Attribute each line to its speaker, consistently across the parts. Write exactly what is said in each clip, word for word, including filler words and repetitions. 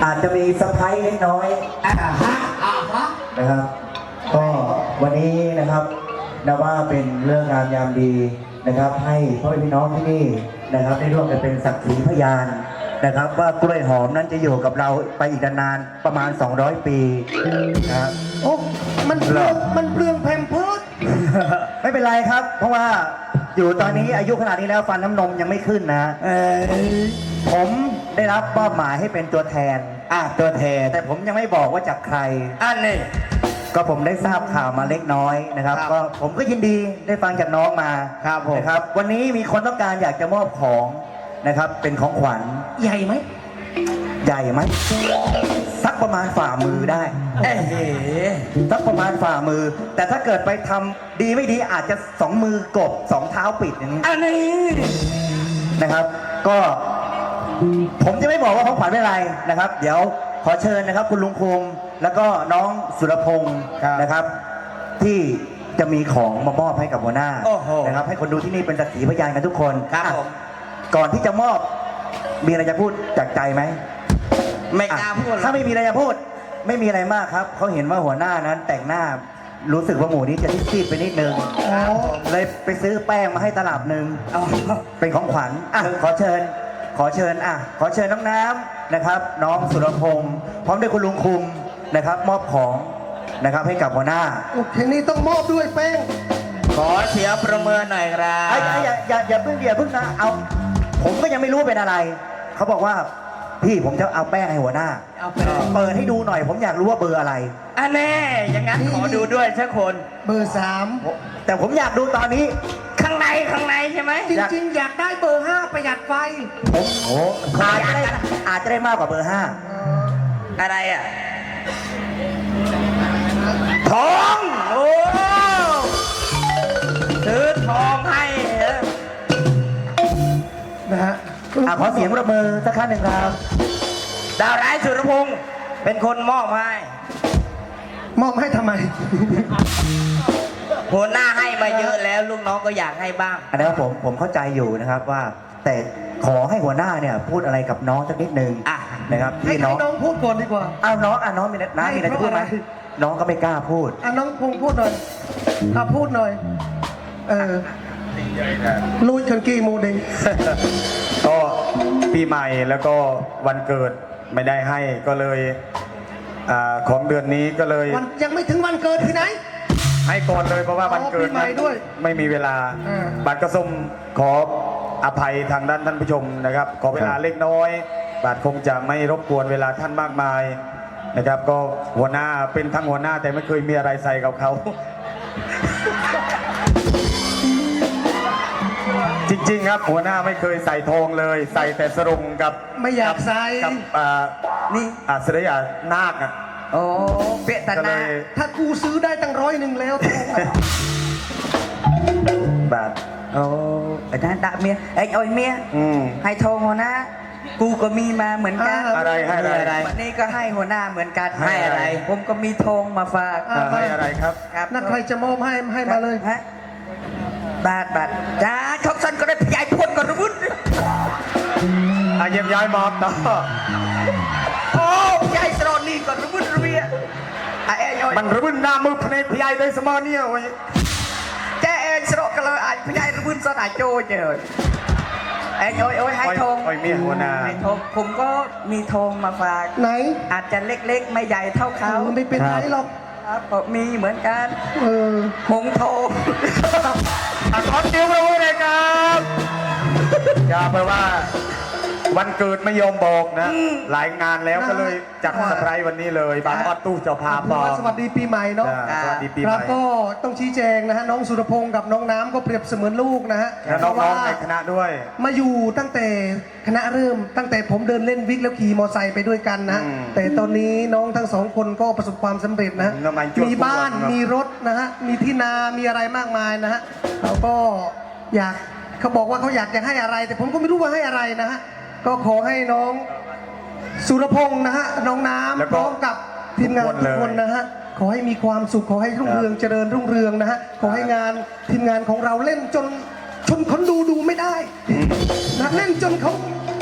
Speaker 1: อาจจะมีเซอร์ไพรส์เล็กน้อยนะครับก็วันนี้นะครับนับว่าเป็นเรื่องงามยามดีนะครับให้พ่อแม่พี่น้องที่นี่นะครับได้ร่วมกันเป็นสักขีพยานนะครับว่ากล้วยหอมนั้นจะอยู่กับเราไปอีกนานๆประมาณสองร้อยปีนะครับ
Speaker 2: โอ้มันเปลืองมันเปลืองแพมเพิร์ส
Speaker 1: ไม่เป็นไรครับเพราะว่าอยู่ตอนนี้อายุขนาดนี้แล้วฟันน้ำนมยังไม่ขึ้นนะเออผมได้รับมอบหมายให้เป็นตัวแทนอ่ะตัวแทนแต่ผมยังไม่บอกว่าจากใครอันนี้ก็ผมได้ทราบข่าวมาเล็กน้อยนะครับก็ผมก็ยินดีได้ฟังจากน้องมาครับผมนะครับวันนี้มีคนต้องการอยากจะมอบของนะครับเป็นของขวัญ
Speaker 2: ใหญ่ไหม
Speaker 1: ใหญ่ไหมสักประมาณฝ่ามือได้เอ๊ะสักประมาณฝ่ามือแต่ถ้าเกิดไปทำดีไม่ดีอาจจะสองมือกบสองเท้าปิดอย่างนี้อันนี้นะครับก็ผมจะไม่บอกว่าของขวัญเป็นอะไรนะครับเดี๋ยวขอเชิญนะครับคุณลุงคุมแล้วก็น้องสุรพงศ์นะครับที่จะมีของมามอบให้กับหัวหน้านะครับให้คนดูที่นี่เป็นสักขีพยานกันทุกคนครับก่อนที่จะมอบมีอะไรจะพูดจากใจไหม
Speaker 2: ไม่กล้าพูด
Speaker 1: ถ้าไม่มีอะไรจะพูดไม่มีอะไรมากครับเขาเห็นว่าหัวหน้านั้นแต่งหน้ารู้สึกว่าหมูนี้จะซีดไปนิดนึงเลยไปซื้อแป้งมาให้ตลับหนึ่งเป็นของขวัญอ่ะขอเชิญขอเชิญอ่ะขอเชิญน้องน้ำนะครับน้องสุรพงศ์พร้อมด้วยคุณลุงคุมนะครับมอบของนะครับให้กับหัวหน้า
Speaker 2: โอเคนี่ต้องมอบด้วยแป้ง
Speaker 3: ขอเสียประเมินหน่อยครับ
Speaker 1: อย่าอย่าอย่าเพิ่งอย่าเพิ่งนะเอาผมก็ยังไม่รู้เป็นอะไรเขาบอกว่าพี่ผมจะเอาแป้งให้หัวหน้าเปิดให้ดูหน่อยผมอยากรู้ว่าเบอร์อะไร
Speaker 3: อันแน่อย่างนั้นขอดูด้วยสักคน
Speaker 2: เบอร์สาม
Speaker 1: แต่ผมอยากดูตอนนี้
Speaker 3: ข้างในข้างในใช่ไหม
Speaker 2: จริงๆอยากได้เบอร์ห้าประหยัดไฟ
Speaker 1: ผมโอ้อาจจะได้อาจจะได้มากกว่าเบอร์ห้า
Speaker 3: อะไรอ่ะทองโอ้ซื้อทองให้
Speaker 2: นะฮะ
Speaker 1: ขอเสียงประมือสักครั้งหนึ่งครับ
Speaker 3: ดาวร้ายสุรพงศ์เป็นคนมอบให้
Speaker 2: มอบให้ทำไม
Speaker 3: หัวหน้าให้มาเยอะแล้วลูกน้องก็อยากให้บ้าง
Speaker 1: อันนี้ผมผมเข้าใจอยู่นะครับว่าแต่ขอให้หัวหน้าเนี่ยพูดอะไรกับน้องสักนิดนึงนะครับ
Speaker 2: ให้น้องน้องพูดก่อนดีกว่า
Speaker 1: อ้าวน้องอ่ะน้องมีน้ามีอะไรจะพูดไหมน้องก็ไม่กล้าพูด
Speaker 2: อ่ะน้องพงพูดหน่อยอ่ะพูดหน่อยเออลุยคันกี้โมเดล
Speaker 4: ก็ปีใหม่แล้วก็วันเกิดไม่ได้ให้ก็เลยอของเดือนนี้ก็เลย
Speaker 2: ยังไม่ถึงวันเกิดที่ไหน
Speaker 4: ให้ก่อนเลยเพราะว่าวันเกิดไม่มีเวลาบัตรกระส้มขออภัยทางด้านท่านผู้ชมนะครับขอเวลาเล็กน้อยบัตรคงจะไม่รบกวนเวลาท่านมากมายนะครับก็หัวหน้าเป็นทั้งหัวหน้าแต่ไม่เคยมีอะไรใส่กับเขาจริงๆครับหัวหน้าไม่เคยใส่ทองเลยใส่แต่สรงกับ
Speaker 2: ไม่อยากใส่
Speaker 4: กับนี่อาเสด็จนาคอ่ะ
Speaker 3: โอ้เปียตนา
Speaker 2: ถ้ากูซื้อได้ตั้งร้อยหนึ่งแล้วทอง
Speaker 1: บาท
Speaker 3: โอ้ไอ้นั่นด่าเมียไอ้อ้อยเมียให้ทองหัวหน้ากูก็มีมาเหมือนกัน
Speaker 4: อะไรให้อะไร
Speaker 3: วันนี้ก็ให้หัวหน้าเหมือนกันให้อะไรผมก็มีทองมาฝาก
Speaker 4: ให้อะไรครับ
Speaker 2: นักใครจะมอบให้ให้มาเลย
Speaker 3: ฮะบาทบาทจ้าชกสันก็ได้พยายพ่นก่อนรุ่น
Speaker 4: อาเยี่ยมย้ายมอบต่อ
Speaker 3: โอ้พยายสโลนี่ก่อนรุ่นเรีย
Speaker 4: มันรุ่นหน้ามือพยพยายได้สมอเนี่ยโอ้ย
Speaker 3: แกเองสโลกันเลยพยายรุ่นสนายโจเจอไอ้โอ้ยโอ้ยให้ทง
Speaker 4: โอ้ยเมียหัวหน้า
Speaker 3: ให้ทงผมก็มีทงมาฝาก
Speaker 2: ไหน
Speaker 3: อาจจะเล็กๆไม่ใหญ่เท่าเขา
Speaker 2: ไม่เป็นไรหรอก
Speaker 3: ครับมีเหมือนกัน
Speaker 2: เออ
Speaker 3: หงทง
Speaker 4: ขอเดียวเลยนะครับอย่าไปว่าวันเกิดไม่ยอมบอกนะหลายงานแล้วก็เลยจัดเซอร์ไพรส์วันนี้เลยบางออดตู้เจ้าภาพบอก
Speaker 2: สวัสดีปีใหม่เนาะ
Speaker 4: สวัสดีปีใหม่
Speaker 2: แล้วก็ต้องชี้แจงนะฮะน้องสุรพงศ์กับน้องน้ำก็เปรียบเสมือนลูกนะฮะ
Speaker 4: และน้องๆในคณะด้วย
Speaker 2: มาอยู่ตั้งแต่คณะเริ่มตั้งแต่ผมเดินเล่นวิกแล้วขี่มอไซค์ไปด้วยกันนะแต่ตอนนี้น้องทั้งสองคนก็ประสบความสำเร็จนะมีบ้านมีรถนะฮะมีที่นามีอะไรมากมายนะฮะเขาก็อยากเขาบอกว่าเขาอยากจะให้อะไรแต่ผมก็ไม่รู้ว่าให้อะไรนะฮะก็ขอให้น้องสุรพงศ์นะฮะน้องน้ำพร้อมกับทีมงานทุกคนนะฮะขอให้มีความสุขขอให้รุ่งเรืองเจริญรุ่งเรืองนะฮะขอให้งานทีมงานของเราเล่นจนชนคนดูดูไม่ได้นะเล่นจนเขา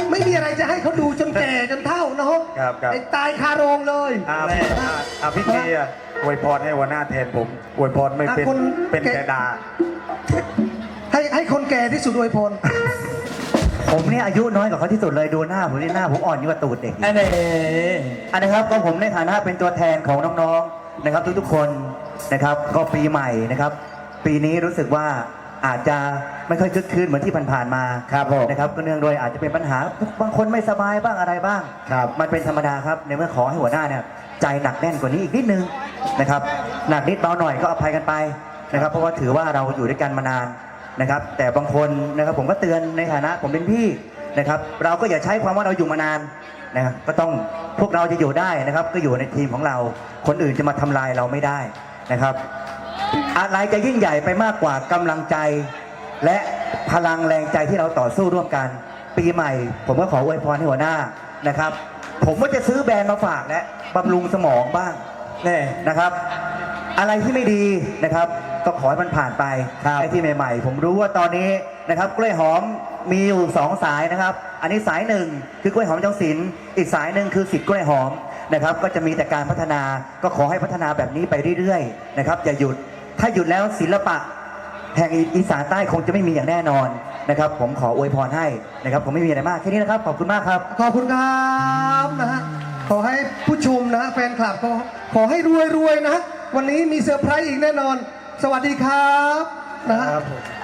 Speaker 2: ไม่มีอะไรจะให้เขาดูจนแก่จนเฒ่าเนาะ
Speaker 4: ครับครับ
Speaker 2: ไอ้ตายคาโรงเลย
Speaker 4: อ่าพี่อ่าอ่าพี่เกียร์อวยพรให้หัวหน้าแทนผมอวยพรไม่เป็น
Speaker 2: อ่ะคน
Speaker 4: เป็น
Speaker 2: แก
Speaker 4: แต่ดา
Speaker 2: ให้ให้คนแก่ที่สุดอวยพร
Speaker 1: ผมเนี่ยอายุน้อยกว่าเขาที่สุดเลยดูหน้าผมนี่หน้าผมอ่อนยิ่งกว่าตูดเด็ก
Speaker 3: อันนี้
Speaker 1: อันนะครับก็ผมในฐานะเป็นตัวแทนของน้องๆนะครับทุกๆคนนะครับก็ปีใหม่นะครับ ปีนี้รู้สึกว่าอาจจะไม่ค่อยคึกคืนเหมือนที่ผ่านๆมา
Speaker 4: ครับผม
Speaker 1: นะครับก็เนื่องโดยอาจจะเป็นปัญหาบางคนไม่สบายบ้างอะไรบ้าง
Speaker 4: ครับ
Speaker 1: มันเป็นธรรมดาครับในเมื่อขอให้หัวหน้าเนี่ยใจหนักแน่นกว่านี้อีกนิดนึงนะครับหนักนิดเบาหน่อยก็อภัยกันไปนะครับเพราะว่าถือว่าเราอยู่ด้วยกันมานานนะครับแต่บางคนนะครับผมก็เตือนในฐานะผมเป็นพี่นะครับเราก็อย่าใช้ความว่าเราอยู่มานานนะครับก็ต้องพวกเราจะอยู่ได้นะครับก็อยู่ในทีมของเราคนอื่นจะมาทำลายเราไม่ได้นะครับอะไรจะยิ่งใหญ่ไปมากกว่ากำลังใจ และพลังแรงใจที่เราต่อสู้ร่วมกัน ปีใหม่ ผมก็ขออวยพรให้หัวหน้านะครับ ผมก็จะซื้อแบรนด์มาฝากและบำรุงสมองบ้างเนี่ยนะครับ อะไรที่ไม่ดีนะครับก็ขอให้มันผ่านไปไอ้ที่ใหม่ๆ ผมรู้ว่าตอนนี้นะครับกล้วยหอมมีอยู่สองสายนะครับ อันนี้สายหนึ่งคือกล้วยหอมจังศิลป์อีกสายหนึ่งคือสิทธิ์กล้วยหอมนะครับ ก็จะมีแต่การพัฒนาก็ขอให้พัฒนาแบบนี้ไปเรื่อยๆนะครับอย่าหยุดถ้าหยุดแล้วศิลปะ แห่งอีสานใต้คงจะไม่มีอย่างแน่นอนนะครับ ผมขออวยพรให้นะครับ ผมไม่มีอะไรมากแค่นี้นะครับขอบคุณมากครับ
Speaker 2: ขอบคุณครับนะฮะขอให้ผู้ชมนะแฟนคลับก็ขอให้รวยๆนะ วันนี้มีเซอร์ไพรส์อีกแน่นอน สวัสดีครับนะฮะ
Speaker 4: ครับผม